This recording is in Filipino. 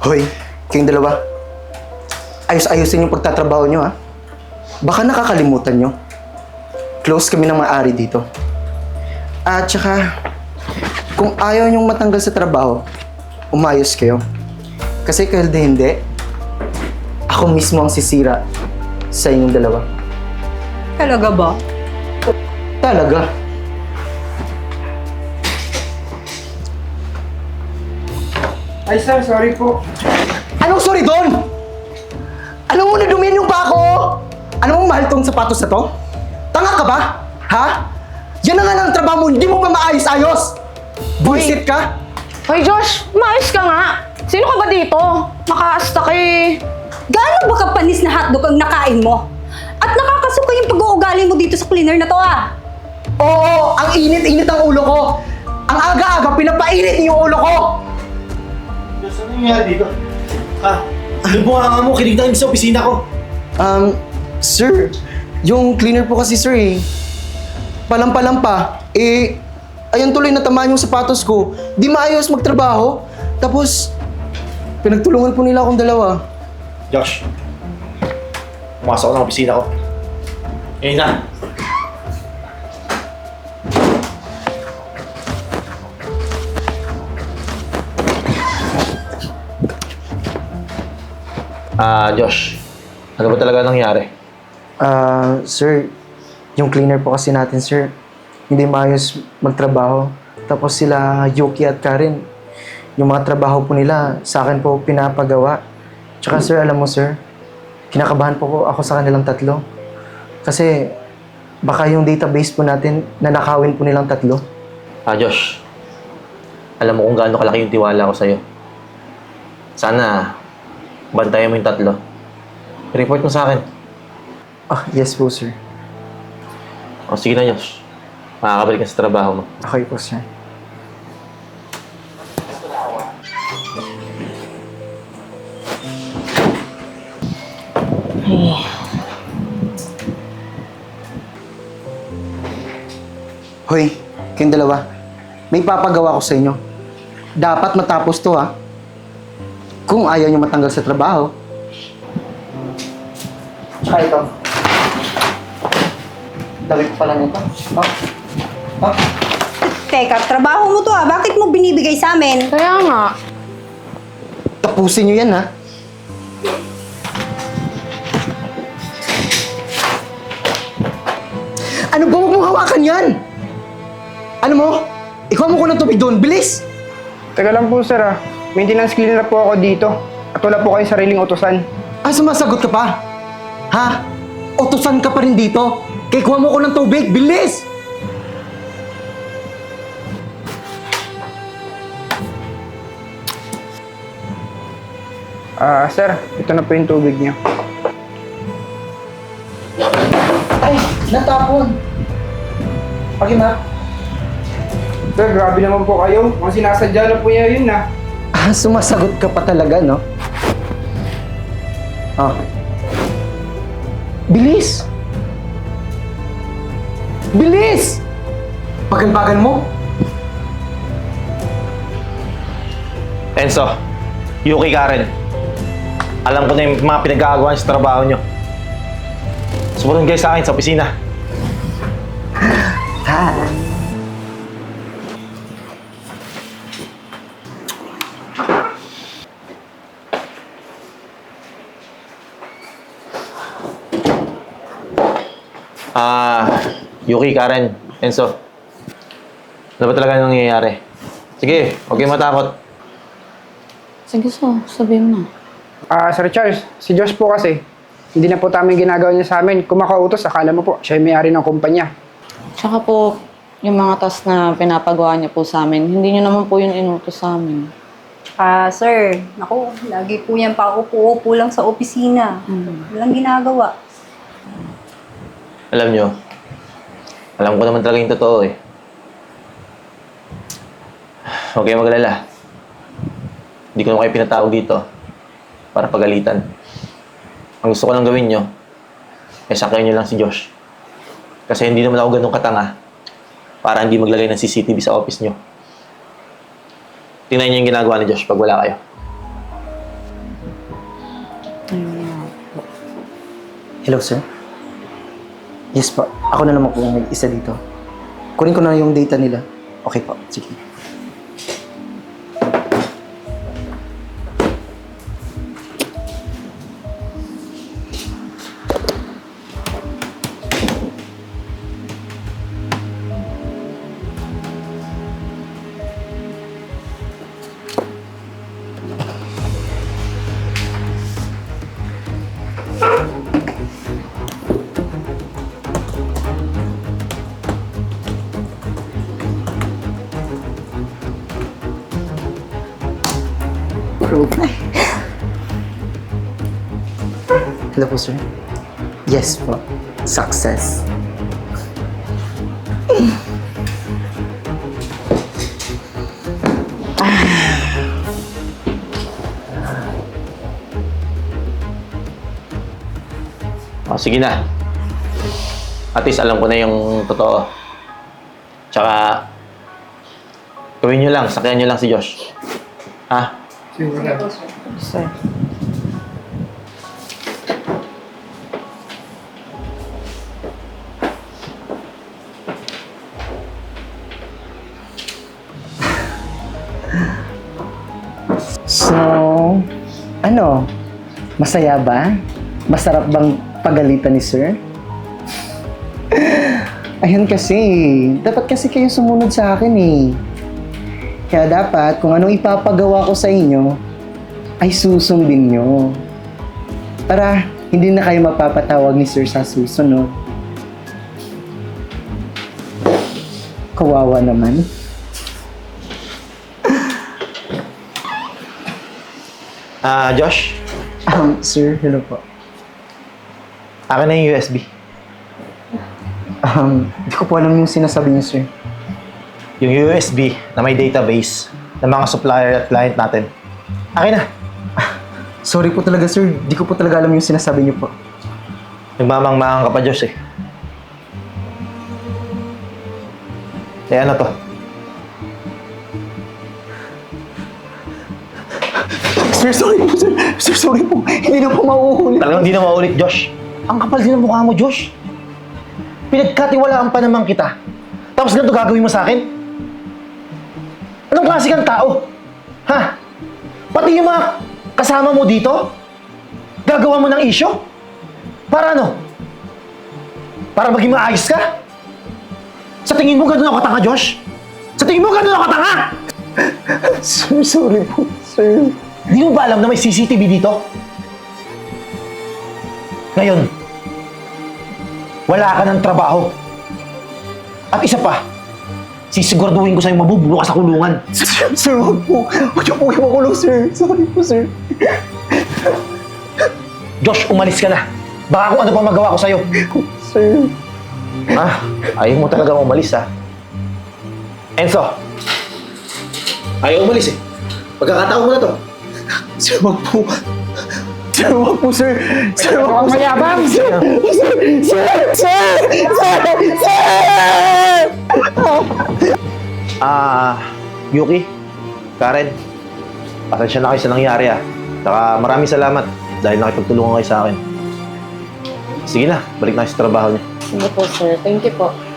Hoy, kayong dalawa. Ayos-ayosin yung pagtatrabaho nyo, ha? Baka nakakalimutan nyo. Close kami ng maaari dito. At saka, kung ayaw nyong matanggal sa trabaho, umayos kayo. Kasi kahit hindi, ako mismo ang sisira sa inyong dalawa. Talaga ba? Talaga. Ay sir, sorry po. Anong sorry doon? Alam mo na dumihan yung pa ako? Alam mo mahal tong sapatos na to? Tanga ka ba? Ha? Yan na nga lang ang trabaho mo, hindi mo pa maayos-ayos! Buisit ka? Hoy Josh, maayos ka nga. Sino ka ba dito? Makaasta ka eh. Gaano ba kapanis na hotdog ang nakain mo? At nakakasuka yung pag-uugali mo dito sa cleaner na to ah! Oo, ang init-init ang ulo ko! Ang aga-aga, pinapainit niyo yung ulo ko! Diyos, ano nangyayari dito? Yung bunganga mo, kinignan sa opisina ko. Sir, yung cleaner po kasi sir eh. Palampa-lampa. Ayan tuloy natamaan yung sapatos ko. Di maayos magtrabaho. Tapos, pinagtulungan po nila akong dalawa. Josh, pumasok ako ng opisina ko. Ngayon na. Josh, ano ba talaga nangyari? Sir, yung cleaner po kasi natin, sir, hindi maayos magtrabaho. Tapos sila, Yuki at Karen, yung mga trabaho po nila, sa akin po pinapagawa. Tsaka sir, alam mo sir, kinakabahan po ako sa kanilang tatlo. Kasi, baka yung database po natin, nanakawin po nilang tatlo. Josh, alam mo kung gaano kalaki yung tiwala ko sa'yo. Sana, bantayan mo yung tatlo. Report mo sa akin. Yes po, sir. O sige na, Josh. Makakabalik ka sa trabaho mo. Okay po, sir. Hoy, kayong dalawa. May papagawa ko sa inyo. Dapat matapos to, ha? Kung ayaw nyo matanggal sa trabaho. Tsaka ito. Dami ko pala nito. Teka, trabaho mo to ah. Bakit mo binibigay sa amin? Kaya nga. Tapusin nyo yan, ha? Ano ba? Huwag mong hawakan yan! Ano mo? Ikaw mo ko ng tubig doon. Bilis! Teka lang po sir ah. Maintenance cleaner po ako dito. At wala po kayong sariling utusan. Sumasagot ka pa? Ha? Utusan ka pa rin dito? Kaya kuha mo ko ng tubig. Bilis! Sir, ito na po yung tubig niyo. Ay, natapon. Pag-ima. Sir, grabe naman po kayo. Mga sinasadya na po niya yun ah. Sumasagot ka pa talaga, no? Bilis! Bilis! Bagal-bagal mo. Enzo, Yuki, Karen. Alam ko na yung mga pinag-aagawan sa trabaho nyo. Sumunod kayo sa akin sa opisina. Yuki, Karen, Enzo. Ano ba talaga nangyayari? Sige, huwag kayong matakot. Sige sabihin mo na. Sir Charles, si Josh po kasi, hindi na po tama yung ginagawa niya sa amin. Kung makautos, akala mo po, siya yung may-ari ng kumpanya. Tsaka po, yung mga task na pinapagawa niyo po sa amin, hindi niyo naman po yun inutos sa amin. Sir, naku, lagi po yan pa upo-upo lang sa opisina. Walang ginagawa. Alam nyo, alam ko naman talaga yung totoo eh. Huwag kayong magalala. Hindi ko naman kayo pinatawag dito para pagalitan. Ang gusto ko lang gawin nyo, ay sakayin nyo lang si Josh. Kasi hindi naman ako ganun katanga para hindi maglagay ng CCTV sa office nyo. Tingnan nyo yung ginagawa ni Josh pag wala kayo. Hello, sir? Yes po. Ako na naman po may isa dito. Kunin ko na yung data nila. Okay po. Sige. Hello po, sir. Yes po. Success. O, sige na. At least alam ko na yung totoo. Tsaka, gawin nyo lang, sakyan nyo lang si Josh. Ha? Sir. So, ano? Masaya ba? Masarap bang pagalitan ni sir? Ayun kasi, dapat kasi kayo sumunod sa akin eh. Kaya dapat, kung anong ipapagawa ko sa inyo, ay susundin nyo. Para hindi na kayo mapapatawag ni sir sa susunod. Kawawa naman. Josh, Sir, hello po. akin na yung USB. Hindi ko po alam yung sinasabi niyo, sir. Yung USB na may database ng mga supplier at client natin. Akin na. Sorry po talaga, sir. Di ko po talaga alam yung sinasabi niyo po. Nagmamangmangan ka pa, Josh eh. Kaya ano to? Sir, sorry po, sir. Sir, sorry po. Hindi na po mauulit. Talagang hindi na maulit, Josh. Ang kapal din ng mukha mo, Josh. Pinagkatiwalaan pa naman kita. Tapos ganito gagawin mo sa akin? Anong klase kang tao? Ha? Pati yung mga kasama mo dito? Gagawa mo ng issue? Para ano? Para maging maayos ka? Sa tingin mo ganun ako katanga, Josh? Sa tingin mo ganun ako katanga? Sir, sorry po, sir. Hindi mo ba alam na may CCTV dito? Ngayon, wala ka ng trabaho. At isa pa, sisiguraduhin ko sa'yo mabubulo ka sa kulungan. Sir, wag po. Wag niyo po imakulong, sir. Sorry po, sir. Josh, umalis ka na. Baka kung ano pa magawa ko sa'yo. Sir. Ayaw mo talaga umalis, ha? Enzo, ayaw umalis eh. Pagkakataon mo na to. Sir, wag po. Sir, wag po, sir. Sir, wag po. Mayabang! Sir! Sir! Sir! Sir! Yuki, Karen, pasensya na kayo sa nangyari, ha? Saka maraming salamat dahil nakipagtulungan kayo sa akin. Sige na, balik na kayo sa trabaho niyo. Sige po, sir. Thank you po.